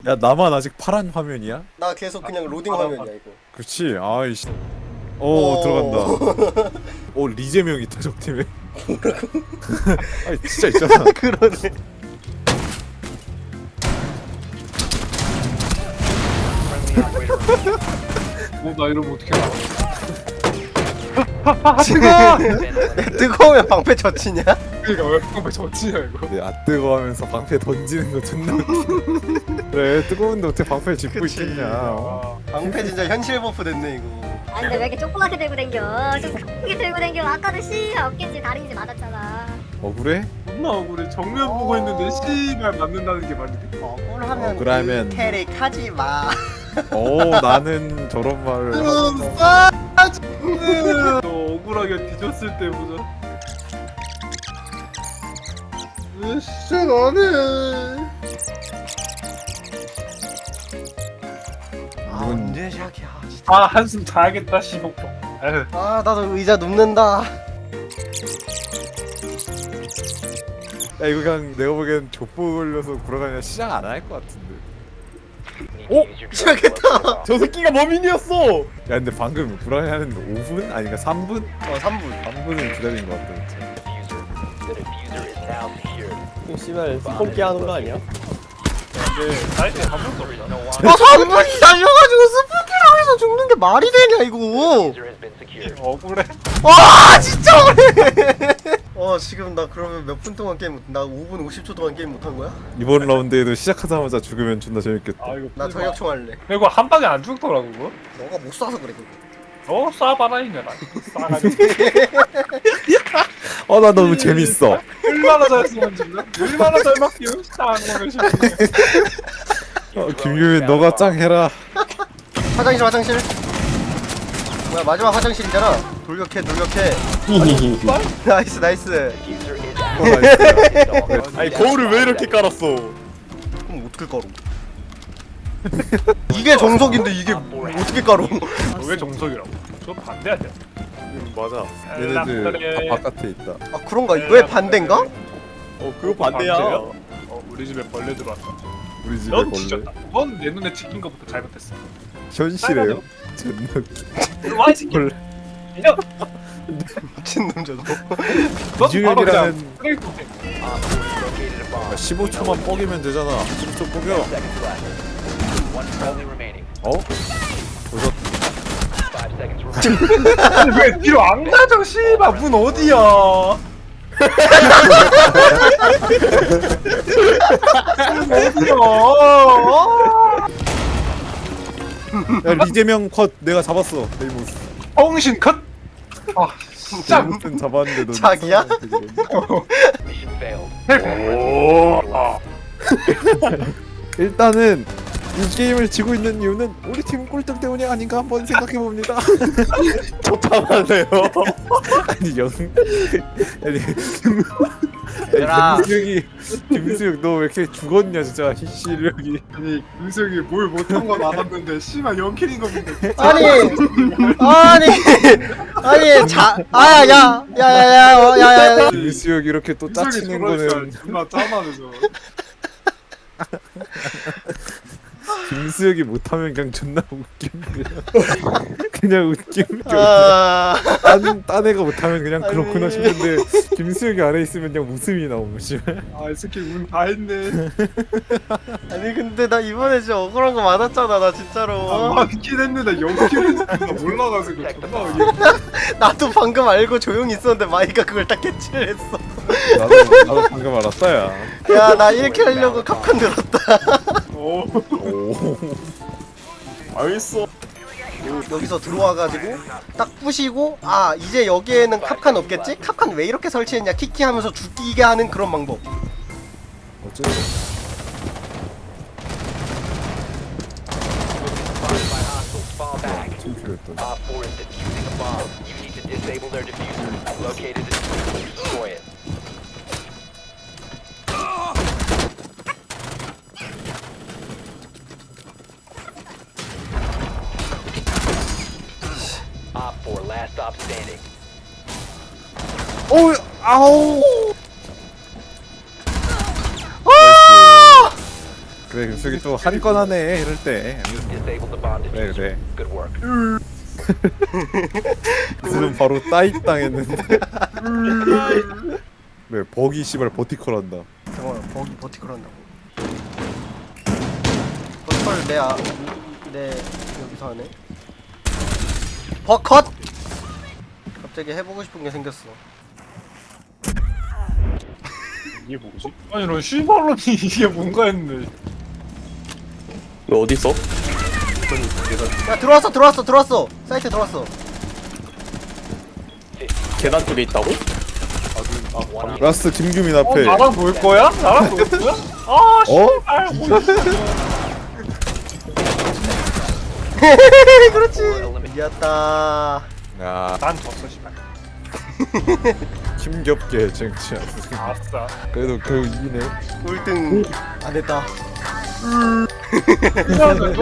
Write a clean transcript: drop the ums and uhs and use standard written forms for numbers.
야 나만 아직 파란 화면이야? 나 계속 그냥 로딩 화면이야 이거. 그렇지. 아이씨. 오 들어간다. 오 리제명 있다 적 팀에. 아니 진짜 있잖아. 그러네. 나 이러면 어떻게 알아? 뜨거우면 방패 젖히냐? 그니까 왜 방패 젖히냐 이거. 아 뜨거워하면서 방패 던지는 거 존나 웃기네. 그래 뜨거운데 어떻게 방패를 짚고 그치. 있겠냐. 방패 진짜 현실 버프 됐네 이거. 아 근데 왜 이렇게 조그맣게 들고 댕겨? 좀 크게 들고 댕겨. 아까도 씨가 없겠지. 다리인지 맞았잖아. 억울해? 존나 억울해. 정면 보고 있는데 씨발 맞는다는 게 말이 돼? 억울하면 억울하면- 그 캐릭 하지 마. 나는 저런 말을 하면서 너 억울하게 뒤졌을 때 보자. 으쌰 나네. 아 언제 시작이야 진짜. 아 한숨 자야겠다 시복도. 에휴. 아 나도 의자 눕는다. 야 이거 그냥 내가 보기엔 족보 걸려서 구라가냐 시작 안 할 것 같은데. 시작했다. 저 새끼가 범인이었어. 야 근데 방금 구라가는 5분? 아니 그러니까 3분? 3분. 3분을 기다린 것 같다 진짜. 씨발 스폰기 하는 거 아니야? 근데 사이트에 한 번도 없잖아. 3분이 달려가지고 스포키랑 해서 죽는 게 말이 되냐 이거. 억울해. 와 진짜 억울해. 지금 나 그러면 몇 분 동안 게임 나 5분 50초 동안 게임 못한 거야? 이번 라운드에도 시작하자마자 죽으면 존나 재밌겠다. 아 이거 나 저격총 할래. 그리고 한 방에 안 죽더라고 그거. 너가 못 쏴서 그래 그거. 너 쏴봐라 이년아. 쏴가지고. 나 너무 재밌어. 얼마나 잘 쓰면 죽나? 얼마나 잘 막히면 쌍놈의 시간이야. 김규민 너가 짱 해라. 화장실. 뭐야 마지막 화장실이잖아. 돌격해. 나이스. 나이스야. 아니 거울을 왜 이렇게 깔았어? 그럼 어떻게 깔어? 이게 정석인데 이게 어떻게 깔어? 왜 정석이라고? 저 반대하냐? 맞아. 얘네들 다 바깥에 있다. 아 그런가? 왜 반대인가? 그거 반대야. 우리 집에 벌레 들어왔다. 우리 집에 넌 걸래. 뒤졌다. 넌 내 눈에 찍힌 것부터 잘못했어. 현실에요? 존나 웃기. 와이 새끼. 벌레. 야, 미친놈 저거. 이중혁이라는 쓰레기 통에. 15초만 뻐기면 되잖아. 15초 뻐겨. 아니 왜 뒤로 안 가져 씨발 문 어디야? 야 리제명 컷 내가 잡았어. 네이모스. 정신 컷. 아 진짜. 네이모스는 잡았는데 너 자기야? 일단은 이 게임을 지고 있는 이유는 우리 팀 꼴등 때문이 아닌가 한번 생각해 봅니다. 좋다하네요. 아니 아니 얘들아. 김수혁 너 왜 이렇게 죽었냐 진짜 실력이. 아니 윤석이 뭘 못한 건 알았는데 씨발 연킬인 겁니다. 아니 야야야야야야야야. 김수혁 이렇게 또 짜치는 거는 존나 짠하면서. 김수혁이 못하면 그냥 존나 웃깁니다. 그냥 웃깁니다. 딴 애가 못하면 그냥 그렇구나 아니. 싶은데 김수혁이 안에 있으면 그냥 웃음이 나오고 씨발. 아이 새끼 운 다 했네. 아니 근데 나 이번에 진짜 억울한 거 많았잖아 나 진짜로. 맞긴 했는데 연킬은 존나 몰라가지고 존나 어이없네. 나도 방금 알고 조용히 있었는데 마이가 그걸 딱 캐치를 했어. 나도 방금 알았다 야. 야 나 이렇게 하려고 캅칸 들었다. 오. 알겠어. 여기서 들어와가지고 딱 부시고 이제 여기에는 캅칸 없겠지? 캅칸 왜 이렇게 설치했냐 키키 하면서 죽이게 하는 그런 방법. 어쩌지? 침필했던. 오, 아우. 그래 윤석이 또 한 건 하네 이럴 때. 그래 그래. 지금 바로 따이 당했는데. 네 버기 씨발 버티컬 한다. 잠깐만 버기 버티컬 한다고. 버티컬 내 여기서 하네. 버컷! 갑자기 해보고 싶은 게 생겼어. 이게 뭐지? 아니 너 씨발로니 이게 뭔가 했는데 너 어디 있어? 야 들어왔어. 사이트 들어왔어. 계단 쪽에 있다고? 라스트 김규민 앞에. 나랑 놀 거야? 나랑 놀 거야? 아 씨발 뭐 그렇지. 이겼다. 야 난 졌어 씨발 힘겹게 쟁취한. 아싸 그래도 결국 이기네. 꼴등 안 했다. 이상하다